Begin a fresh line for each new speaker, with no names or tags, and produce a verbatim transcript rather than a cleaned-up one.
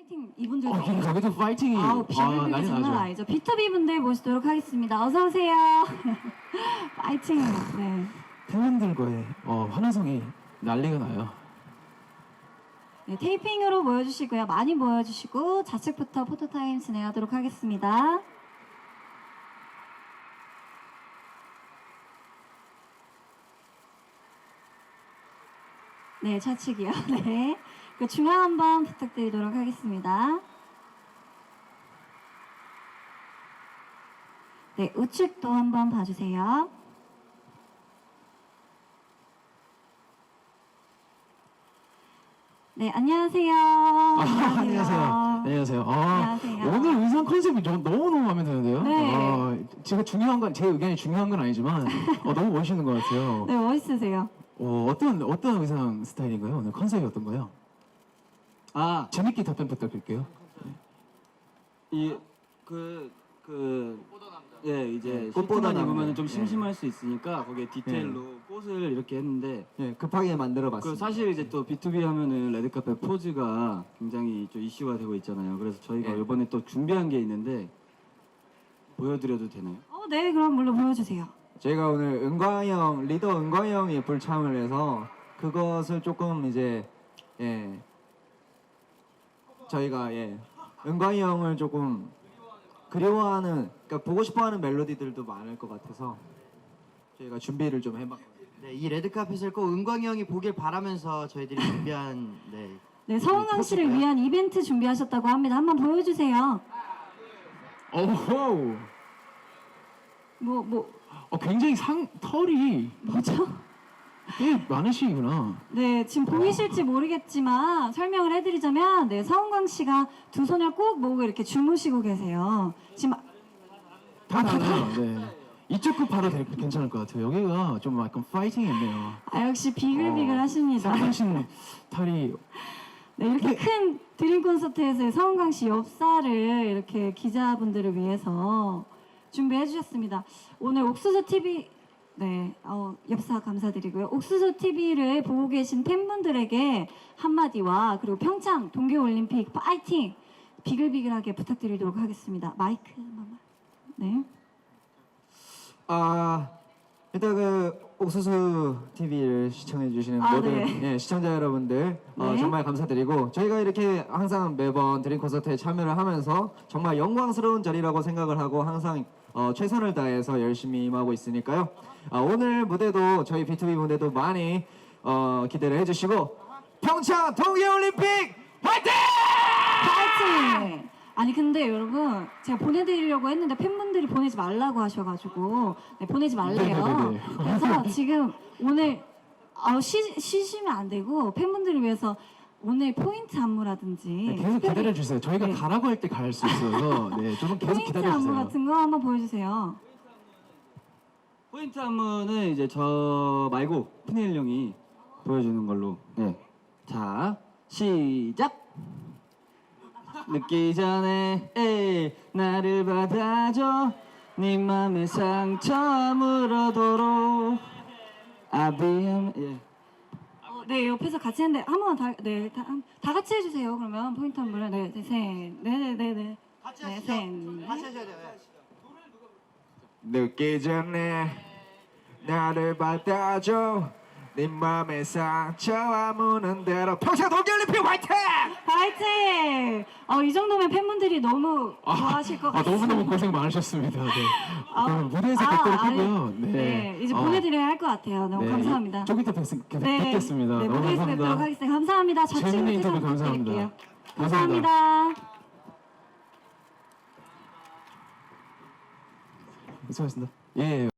파이팅 이분들.
어, 여기도 파이팅이.
아우
아,
비글비글
난리
장난
나죠.
아니죠. 비투비 분들 모시도록 하겠습니다. 어서 오세요. 파이팅. 네.
팬분들과의 어, 환호성이 난리가 나요.
네, 테이핑으로 모여주시고요. 많이 모여주시고 좌측부터 포토타임 진행하도록 하겠습니다. 네, 좌측이요. 네. 그 중앙 한번 부탁드리도록 하겠습니다. 네, 우측도 한번 봐주세요. 네, 안녕하세요.
아, 안녕하세요. 안녕하세요. 아,
안녕하세요.
오늘 의상 컨셉이 저, 너무너무 마음에 드는데요.
네.
아, 제가 중요한 건, 제 의견이 중요한 건 아니지만, 어, 너무 멋있는 것 같아요.
네, 멋있으세요.
어, 어떤, 어떤 의상 스타일인가요? 오늘 컨셉이 어떤 거요?
아,
재밌게 답변 부탁드릴게요.
이, 그, 그, 예, 이제
꽃보다
꽃보다
남자.
입으면 좀
예.
심심할 수 있으니까 거기에 디테일로 꽃을 이렇게 했는데
예, 급하게
그
만들어봤습니다.
사실 이제 또 비투비 하면은 레드카펫 포즈가 굉장히 좀 이슈가 되고 있잖아요. 그래서 저희가
예.
이번에 또 준비한 게 있는데 보여드려도 되나요?
어, 네, 그럼 물론 보여주세요.
저희가 오늘 은광이 형, 리더 은광이 형이 불참을 해서 그것을 조금 이제 예 저희가 예 은광이 형을 조금 그리워하는, 그러니까 보고 싶어하는 멜로디들도 많을 것 같아서 저희가 준비를 좀 해봤거든요.
네, 이 레드카펫을 꼭 은광이 형이 보길 바라면서 저희들이 준비한 네,
네, 서은강 씨를 위한 이벤트 준비하셨다고 합니다. 한번 보여주세요.
오호!
뭐, 뭐,
어, 굉장히 상, 털이
뭐죠?
꽤 많으시구나.
네, 지금 보이실지 모르겠지만 설명을 해드리자면, 네, 서은강 씨가 두 손을 꼭 모으고 이렇게 주무시고 계세요. 지금
다 달라요. 네. 이쪽 급 바로 될- 괜찮을 것 같아요. 여기가 좀 약간 파이팅이 있네요.
아, 역시 비글비글
어,
하십니다.
상당신 털이
네, 이렇게 큰 드림 콘서트에서 서은강 씨 엽사를 이렇게 기자분들을 위해서 준비해 주셨습니다. 오늘 옥수수 티비 네, 어, 엽사 감사드리고요. 옥수수 티비를 보고 계신 팬분들에게 한마디와 그리고 평창 동계올림픽 파이팅 비글비글하게 부탁드리도록 하겠습니다. 마이크 한번만. 네.
아 일단 그 옥수수 티비를 시청해주시는
아,
모든
네.
예, 시청자 여러분들 어,
네.
정말 감사드리고, 저희가 이렇게 항상 매번 드림 콘서트에 참여를 하면서 정말 영광스러운 자리라고 생각을 하고 항상 어, 최선을 다해서 열심히 임하고 있으니까요. 아, 오늘 무대도 저희 비투비 무대도 많이 어, 기대를 해주시고, 평창 동계올림픽 화이팅!
파이팅! 아니 근데 여러분 제가 보내드리려고 했는데 팬분들이 보내지 말라고 하셔가지고 네, 보내지 말래요.
네네네네.
그래서 지금 오늘 아, 쉬, 쉬시면 안 되고 팬분들을 위해서 오늘 포인트 안무라든지
네, 계속
특별히
기다려주세요. 저희가
네.
가라고 할 때 갈 수 있어서 네, 조금 계속
포인트 안무
기다려주세요.
같은 거 한번 보여주세요.
포인트 안무는 이제 저 말고 푸니엘 형이 보여주는 걸로. 네. 자, 시작! 늦기 전에 에이, 나를 받아줘 네 맘의 상처 아무러도록 아비엠 예.
어, 네 옆에서 같이 했는데 한 번만 다, 네, 다, 한- 다 같이 해주세요. 그러면 포인트 안무를 네, 네, 셋, 네네네네
같이
네,
하시죠.
셋,
같이 하셔야 돼요.
늦기 전에 나를 받아줘 네 맘의 상처 아무는 대로 평창 동계올림픽 화이팅!
파이팅! 어, 이 정도면 팬분들이 너무 좋아하실 것
아,
같습니다.
너무너무 고생 많으셨습니다. 네.
아,
그럼 무대에서
아,
뵙도록
아니,
하고요. 네.
네, 이제
어,
보내드려야 할 것 같아요. 너무
네,
감사합니다.
좀 이따 뵙, 뵙,
네,
뵙겠습니다.
네,
너무
무대에서 뵙도록
감사합니다.
하겠습니다. 감사합니다.
재밌는
좌측으로
인터뷰
퇴장
감사합니다.
부탁드릴게요.
감사합니다.
감사합니다.
수고하셨습니다. 예.